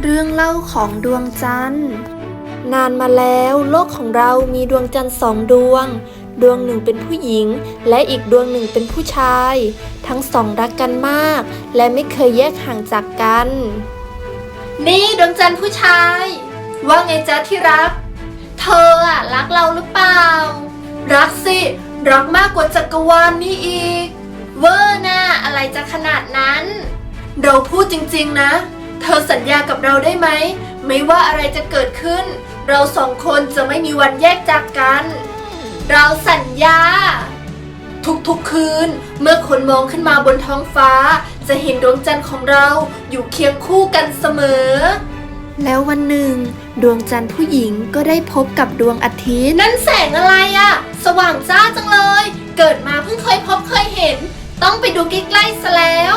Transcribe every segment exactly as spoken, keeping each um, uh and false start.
เรื่องเล่าของดวงจันทร์นานมาแล้วโลกของเรามีดวงจันทร์สองดวงดวงหนึ่งเป็นผู้หญิงและอีกดวงหนึ่งเป็นผู้ชายทั้งสองรักกันมากและไม่เคยแยกห่างจากกันนี่ดวงจันทร์ผู้ชายว่าไงจ๊ะที่รักเธออะรักเราหรือเปล่ารักสิรักมากกว่าจักรวาลนี่อีกเวอร์น่ะอะไรจะขนาดนั้นเราพูดจริงๆนะเธอสัญญากับเราได้ไหมไม่ว่าอะไรจะเกิดขึ้นเราสองคนจะไม่มีวันแยกจากกันเราสัญญาทุกๆคืนเมื่อคนมองขึ้นมาบนท้องฟ้าจะเห็นดวงจันทร์ของเราอยู่เคียงคู่กันเสมอแล้ววันหนึ่งดวงจันทร์ผู้หญิงก็ได้พบกับดวงอาทิตย์นั่นแสงอะไรอะสว่างจ้าจังเลยเกิดมาเพิ่งเคยพบเคยเห็นต้องไปดูใกล้ๆซะแล้ว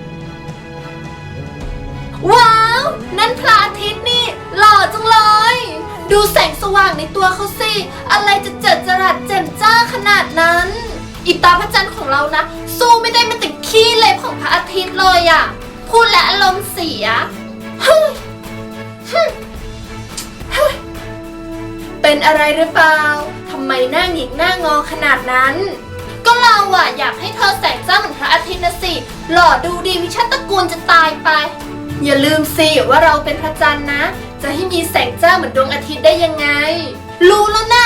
ว้าวนั่นพระอาทิตย์นี่หล่อจังเลยดูแสงสว่างในตัวเขาสิอะไรจะเจิดจรัสแจ่มจ้าขนาดนั้นอิตาพระจันทร์ของเรานะสู้ไม่ได้มันติดขี้เล็บของพระอาทิตย์เลยอะพูดและอารมณ์เสียเป็นอะไรหรือเปล่าทำไมหน้าหงิกหน้างอขนาดนั้นก็เราอะอยากให้เธอแสงจ้าเหมือนพระอาทิตย์นะสิหล่อดูดีมีชาติตระกูลจะตายไปอย่าลืมสิว่าเราเป็นพระจันทร์นะจะให้มีแสงจ้าเหมือนดวงอาทิตย์ได้ยังไงรู้แล้วนะ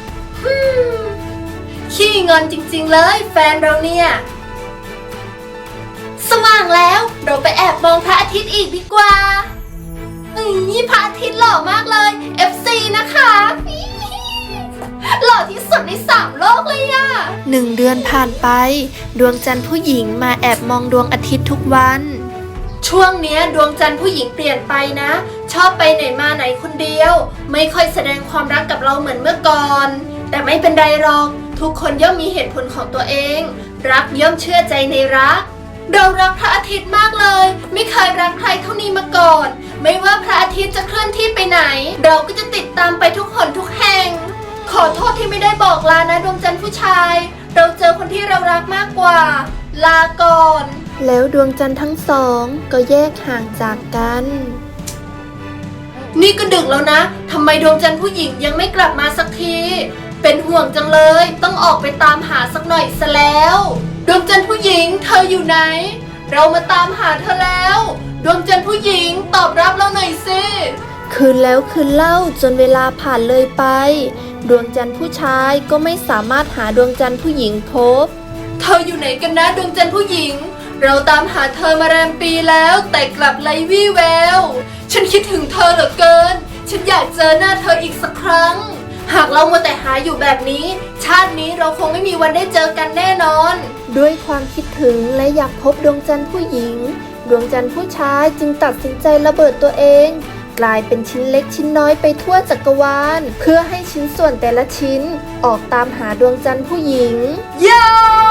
ขี้งอนจริงๆเลยแฟนเราเนี่ยสว่างแล้วเราไปแอบมองพระอาทิตย์อีกดีกว่านี่พระอาทิตย์หล่อมากเลย เอฟ ซี นะคะหล่อที่สุดในสามโลกเลยอะหนึ่งเดือนผ่านไปดวงจันทร์ผู้หญิงมาแอบมองดวงอาทิตย์ทุกวันช่วงเนี้ยดวงจันทร์ผู้หญิงเปลี่ยนไปนะชอบไปไหนมาไหนคนเดียวไม่ค่อยแสดงความรักกับเราเหมือนเมื่อก่อนแต่ไม่เป็นไรหรอกทุกคนย่อมมีเหตุผลของตัวเองรักย่อมเชื่อใจในรักเรารักพระอาทิตย์มากเลยไม่เคยรักใครเท่านี้มาก่อนไม่ว่าพระอาทิตย์จะเคลื่อนที่ไปไหนเราก็จะติดตามไปทุกหนทุกแห่งขอโทษที่ไม่ได้บอกลานะดวงจันทร์ผู้ชายเราเจอคนที่เรารักมากกว่าลาก่อนแล้วดวงจันทร์ทั้งสองก็แยกห่างจากกันนี่ก็ดึกแล้วนะทำไมดวงจันทร์ผู้หญิงยังไม่กลับมาสักทีเป็นห่วงจังเลยต้องออกไปตามหาสักหน่อยซะแล้วดวงจันทร์ผู้หญิงเธออยู่ไหนเรามาตามหาเธอแล้วดวงจันทร์ผู้หญิงตอบรับเราหน่อยสิคืนแล้วคืนเล่าจนเวลาผ่านเลยไปดวงจันทร์ผู้ชายก็ไม่สามารถหาดวงจันทร์ผู้หญิงพบเธออยู่ไหนกันนะดวงจันทร์ผู้หญิงเราตามหาเธอมาแรมปีแล้วแต่กลับไร้วี่แววฉันคิดถึงเธอเหลือเกินฉันอยากเจอหน้าเธออีกสักครั้งหากเรามัวแต่หาอยู่แบบนี้ชาตินี้เราคงไม่มีวันได้เจอกันแน่นอนด้วยความคิดถึงและอยากพบดวงจันทร์ผู้หญิงดวงจันทร์ผู้ชายจึงตัดสินใจระเบิดตัวเองกลายเป็นชิ้นเล็กชิ้นน้อยไปทั่วจักรวาลเพื่อให้ชิ้นส่วนแต่ละชิ้นออกตามหาดวงจันทร์ผู้หญิงยา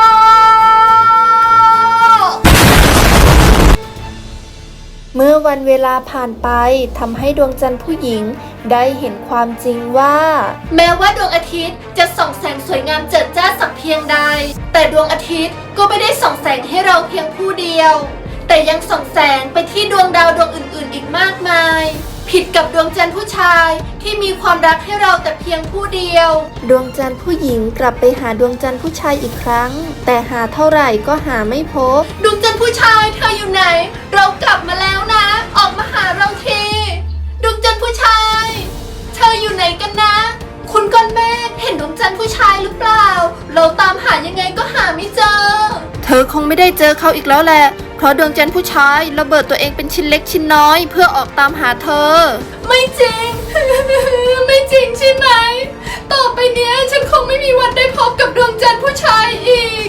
เมื่อวันเวลาผ่านไปทำให้ดวงจันทร์ผู้หญิงได้เห็นความจริงว่าแม้ว่าดวงอาทิตย์จะส่องแสงสวยงามเจิดจ้าสักเพียงใดแต่ดวงอาทิตย์ก็ไม่ได้ส่องแสงให้เราเพียงผู้เดียวแต่ยังส่องแสงไปที่ดวงดาวดวงอื่นๆอีกมากมายผิดกับดวงจันทร์ผู้ชายที่มีความรักให้เราแต่เพียงผู้เดียวดวงจันทร์ผู้หญิงกลับไปหาดวงจันทร์ผู้ชายอีกครั้งแต่หาเท่าไหร่ก็หาไม่พบดวงจันทร์ผู้ชายเธออยู่ไหนเรากลับมาแล้วนะออกมาหาเราทีดวงจันทร์ผู้ชายเธออยู่ไหนกันนะคุณก้อนเมฆเห็นดวงจันทร์ผู้ชายหรือเปล่าเราตามหายังไงก็หาไม่เจอเธอคงไม่ได้เจอเขาอีกแล้วแหละเพราะดวงจันทร์ผู้ชายระเบิดตัวเองเป็นชิ้นเล็กชิ้นน้อยเพื่อออกตามหาเธอไม่จริง ไม่จริงใช่ไหมต่อไปเนี้ยฉันคงไม่มีวันได้พบกับดวงจันทร์ผู้ชายอีก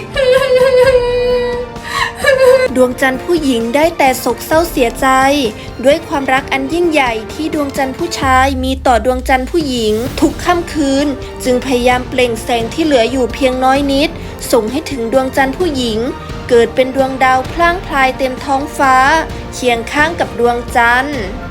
ดวงจันทร์ผู้หญิงได้แต่โศกเศร้าเสียใจด้วยความรักอันยิ่งใหญ่ที่ดวงจันทร์ผู้ชายมีต่อดวงจันทร์ผู้หญิงทุกค่ำคืนจึงพยายามเปล่งแสงที่เหลืออยู่เพียงน้อยนิดส่งให้ถึงดวงจันทร์ผู้หญิงเกิดเป็นดวงดาวพล่างพลายเต็มท้องฟ้าเคียงข้างกับดวงจันทร์